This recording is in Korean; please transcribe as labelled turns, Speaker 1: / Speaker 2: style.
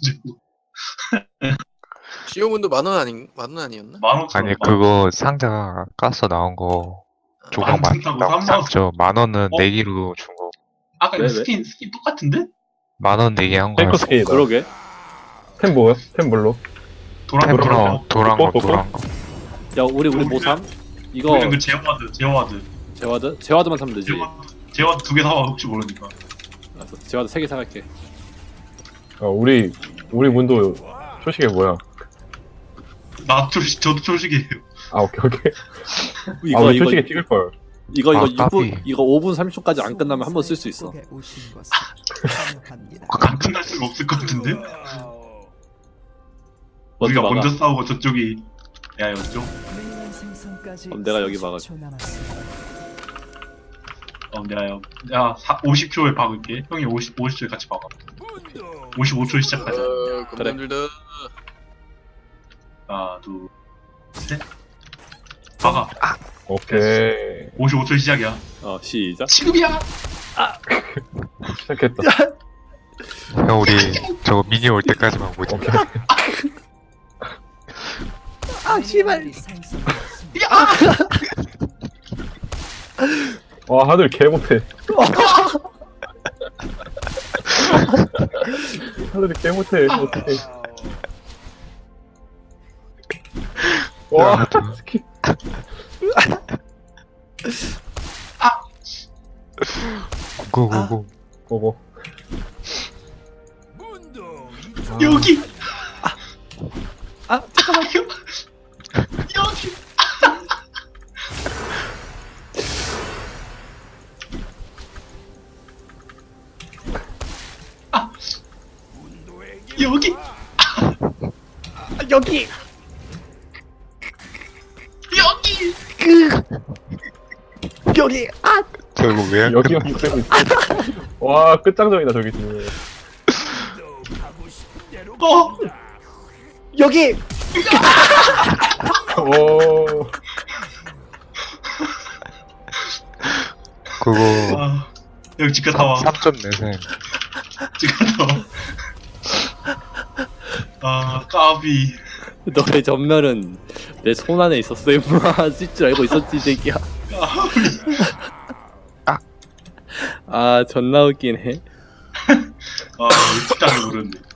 Speaker 1: 주고.
Speaker 2: 시오문도 만원 아니었나?
Speaker 1: 15,000원.
Speaker 3: 아니 그거 상자 까서 나온 거 조각
Speaker 1: 만 원 준다고
Speaker 3: 만든다고
Speaker 1: 3만 원.
Speaker 3: 샀죠. 10,000원은
Speaker 1: 어?
Speaker 3: 내기로 준 거.
Speaker 1: 아까
Speaker 4: 왜,
Speaker 1: 이거 스킨 똑같은데?
Speaker 3: 10,000원 내기 한
Speaker 5: 탱커
Speaker 3: 거야.
Speaker 5: 스킨이다.
Speaker 4: 그러게.
Speaker 5: 템 뭐야? 템 뭘로?
Speaker 1: 도랑
Speaker 3: 템플러 도란 거
Speaker 5: 뽀뽀?
Speaker 3: 도란 거.
Speaker 4: 야 우리 뭐 삼? 이거
Speaker 1: 우리는 그 제어와드.
Speaker 4: 제와드? 제와드만 사면 되지.
Speaker 1: 제어와드 2개 사와 혹시 모르니까.
Speaker 4: 알았어. 제와드 3개 사갈게.
Speaker 5: 우리 문도 초식이 뭐야?
Speaker 1: 저도 초식이에요.
Speaker 5: 아 오케이.
Speaker 4: 이거
Speaker 5: 우리
Speaker 4: 이거
Speaker 5: 초식에 찍을 걸.
Speaker 4: 이거
Speaker 3: 아,
Speaker 4: 6분
Speaker 3: 까비.
Speaker 4: 이거 5분 30초까지 안 끝나면 한 번 쓸 수 있어.
Speaker 1: 안 끝날 수가 없을 것 같은데? 우리가
Speaker 4: 막아.
Speaker 1: 먼저 싸우고 저쪽이 야였죠?
Speaker 4: 그럼 내가 여기 막을게.
Speaker 1: 내가 50초에 박을게. 형이 50초에 같이 박아. 55초에 시작하자.
Speaker 4: 그래.
Speaker 2: 금년들다.
Speaker 1: 하나, 둘, 셋. 박아.
Speaker 5: 오케이.
Speaker 1: 55초 시작이야.
Speaker 4: 시작.
Speaker 1: 지금이야!
Speaker 5: 시작했다.
Speaker 3: 형 우리 저거 미니 올 때까지만 보자.
Speaker 5: 오케이. 와 하늘 개 못해. 하늘이 개 못해. 어떡해. 와 스킨.
Speaker 3: 고고고.
Speaker 5: 고고.
Speaker 1: 여기!
Speaker 4: 잠깐만.
Speaker 1: 여기! 여기!
Speaker 4: 여기.
Speaker 1: 여기!
Speaker 4: 여기.
Speaker 3: 저거 왜 안
Speaker 5: 여기만
Speaker 3: 끝나?
Speaker 5: 그대고 있어. 와 끝장정이다 저기 지금.
Speaker 4: 여기.
Speaker 5: 오.
Speaker 3: 그거
Speaker 1: 여기 집가 다 와.
Speaker 3: 3점 내셈.
Speaker 1: 집가 다 와. 까비.
Speaker 4: 너의 전멸은 내 손 안에 있었어. 임마 쓸 줄 알고 있었지 이 새끼야.
Speaker 3: 아.
Speaker 4: 존나 웃기네.
Speaker 1: 아, 집장을 모르는데.